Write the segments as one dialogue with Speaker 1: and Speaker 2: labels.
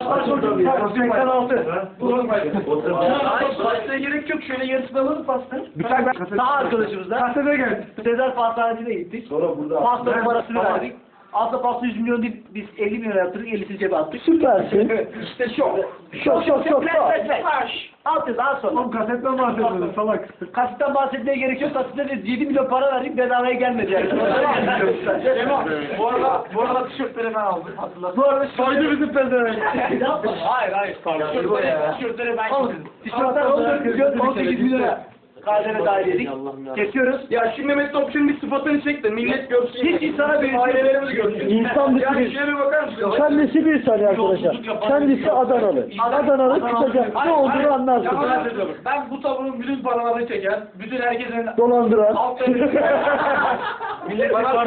Speaker 1: Pastaya gerek yok. Şöyle yarısını alalım pasta. Sağ arkadaşımızla.
Speaker 2: Kasete gel.
Speaker 1: Sezer Pastanesi'ne gittik.
Speaker 2: Sonra burada.
Speaker 1: Pasta parasını verdik. Aslında pasta 100 milyon değil, biz 50 milyon yaptırdık, 50'sini cebe attık.
Speaker 3: Süpersin.
Speaker 1: İşte şok.
Speaker 3: Şok.
Speaker 1: Altı daha sonra.
Speaker 2: Oğlum kasetten bahsediyorsun salak.
Speaker 1: Kasitten bahsetmeye gerek yok. Kasitten de 7 milyon para verdik, bedavaya gelmedi yani.
Speaker 2: Bu arada tişörtleri ben aldım. Hatırlat.
Speaker 1: Bu arada
Speaker 2: Saydı bizim pezevenk.
Speaker 1: Hayır. Tişörtleri ben getirdim. Tişörtler 14 milyon, 18 milyona. KDV dahil edik. Kesiyoruz.
Speaker 2: Ya şimdi Mehmet Topçu'nun bir sıfatını çek de millet görsün.
Speaker 1: Hiç insana bir
Speaker 2: ailelerimiz görsün.
Speaker 3: İnsan dışı
Speaker 2: Yani
Speaker 3: bir...
Speaker 2: şuraya bir bakar mısın?
Speaker 3: Kendisi bir saniye arkadaşlar. Kendisi Adanalı. Adanalı kısaca ne olduğunu anlarsın.
Speaker 2: Ben bu tavrın bütün paralarını çeken, bütün herkesin
Speaker 3: Dolandıran.
Speaker 2: millet bana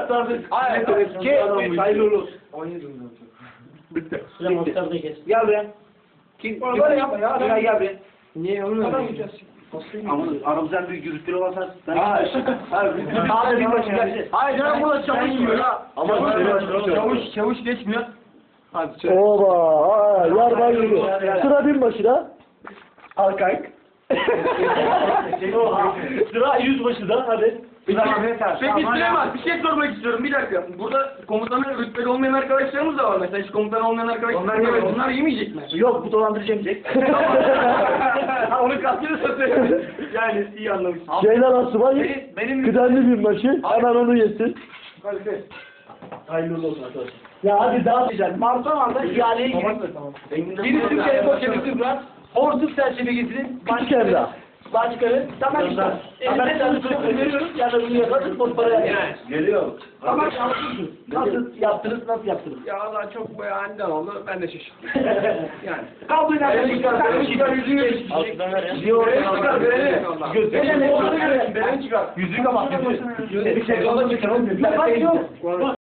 Speaker 1: hayırlı olsun.
Speaker 2: 17 milyon. Bitti.
Speaker 1: Gel buraya. Kim?
Speaker 2: Böyle yapma ya.
Speaker 1: Gel buraya.
Speaker 2: Niye onu öyle?
Speaker 1: Ama aramızdan büyük gürültülü olmasa ben... Sağda bir başı gelsin.
Speaker 2: Hayır canım burada çavuş yiyor ya. Ama çavuş geçmiyor. Hadi
Speaker 3: Oba. Yarbay gibi. Sıra binbaşıda.
Speaker 1: Alkayk. Sıra yüzbaşıda hadi.
Speaker 2: Peki Süleyman bir şey sormak istiyorum bir dakika. Burada komutanın rütbeli olmayan arkadaşlarımız da var mesela hiç komutan olmayan arkadaşlar. Onlar yemeyecek mi?
Speaker 1: Yok bu dolandırıcı yemeyecek. Onu kastını satıyor. Yani iyi anlamışsın.
Speaker 3: Ceylan Asubay.
Speaker 1: Benim
Speaker 3: Kıdemli binbaşı. Hemen onu yesin.
Speaker 1: hayırlı olsun arkadaşlar. Ya hadi daha güzel. Marsan anda ihaleye girin. Birisi Türkiye'ye koşabilir Murat. Horsuz çerçeve getirin.
Speaker 3: Küçük Emrah.
Speaker 1: Başkanı. Tamam işte. Elimde çalışıyoruz. Veriyoruz. Ya da bunu yaparız. Boş para yani.
Speaker 2: Geliyor.
Speaker 1: Tamam nasıl yaptınız? Nasıl yaptınız?
Speaker 2: Ya Allah çok böyle aniden oldu ben de şaşırdım. Yani.
Speaker 1: Kalbine
Speaker 2: Beni çıkar yüzünü çıkar beni. Beni çıkar.
Speaker 1: Yüzüğü kapat. Bir şey yola çıkar. Yok.